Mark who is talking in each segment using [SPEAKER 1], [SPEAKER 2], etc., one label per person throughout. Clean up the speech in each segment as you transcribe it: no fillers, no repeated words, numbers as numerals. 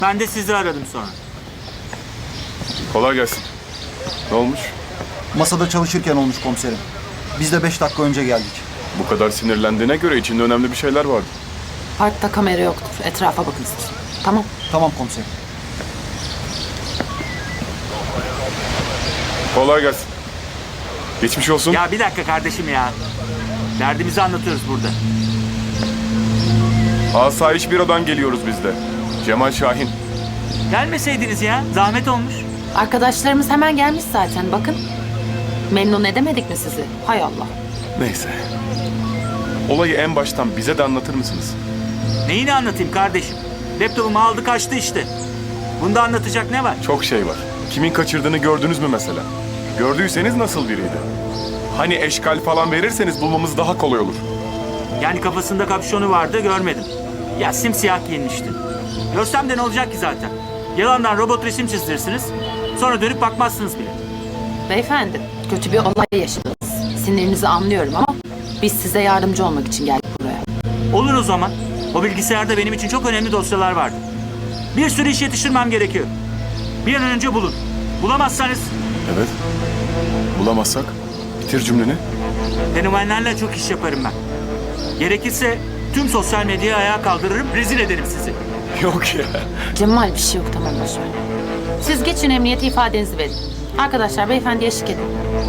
[SPEAKER 1] Ben de sizi aradım sonra.
[SPEAKER 2] Kolay gelsin. Ne olmuş?
[SPEAKER 3] Masada çalışırken olmuş komiserim. Biz de 5 dakika önce geldik.
[SPEAKER 2] Bu kadar sinirlendiğine göre içinde önemli bir şeyler vardı.
[SPEAKER 4] Parkta kamera yoktur. Etrafa bakın siz. Tamam.
[SPEAKER 3] Tamam komiserim.
[SPEAKER 2] Kolay gelsin. Geçmiş olsun.
[SPEAKER 1] Ya bir dakika kardeşim ya. Derdimizi anlatıyoruz burada.
[SPEAKER 2] Asayiş Büro'dan geliyoruz biz de. Cemal Şahin.
[SPEAKER 1] Gelmeseydiniz ya. Zahmet olmuş.
[SPEAKER 4] Arkadaşlarımız hemen gelmiş zaten. Bakın. Memnun edemedik mi sizi? Hay Allah.
[SPEAKER 2] Neyse. Olayı en baştan bize de anlatır mısınız?
[SPEAKER 1] Neyini anlatayım kardeşim? Laptopumu aldı kaçtı işte. Bunda anlatacak ne var?
[SPEAKER 2] Çok şey var. Kimin kaçırdığını gördünüz mü mesela? Gördüyseniz nasıl biriydi? Hani eşkal falan verirseniz bulmamız daha kolay olur.
[SPEAKER 1] Yani kafasında kapşonu vardı görmedim. Ya simsiyah giyinmişti. Görsem de ne olacak ki zaten? Yalandan robot resim çizdirirsiniz. Sonra dönüp bakmazsınız bile.
[SPEAKER 4] Beyefendi, kötü bir olay yaşadınız. Sinirinizi anlıyorum ama biz size yardımcı olmak için geldik buraya.
[SPEAKER 1] Olur o zaman. O bilgisayarda benim için çok önemli dosyalar vardı. Bir sürü iş yetiştirmem gerekiyor. Bir an önce bulun. Bulamazsanız
[SPEAKER 2] Evet. Bulamazsak bitir cümleni.
[SPEAKER 1] fenomenlerle çok iş yaparım ben. Gerekirse tüm sosyal medyayı ayağa kaldırırım, rezil ederim sizi.
[SPEAKER 2] Yok ya.
[SPEAKER 4] Cemal bir şey yok, tamam boşver. Siz geçin emniyete ifadenizi verin. Arkadaşlar beyefendiye eşlik edin.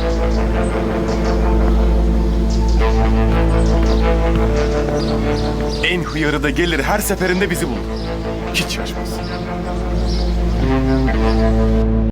[SPEAKER 2] En hıyarı da gelir her seferinde bizi bulur. Hiç şaşmaz.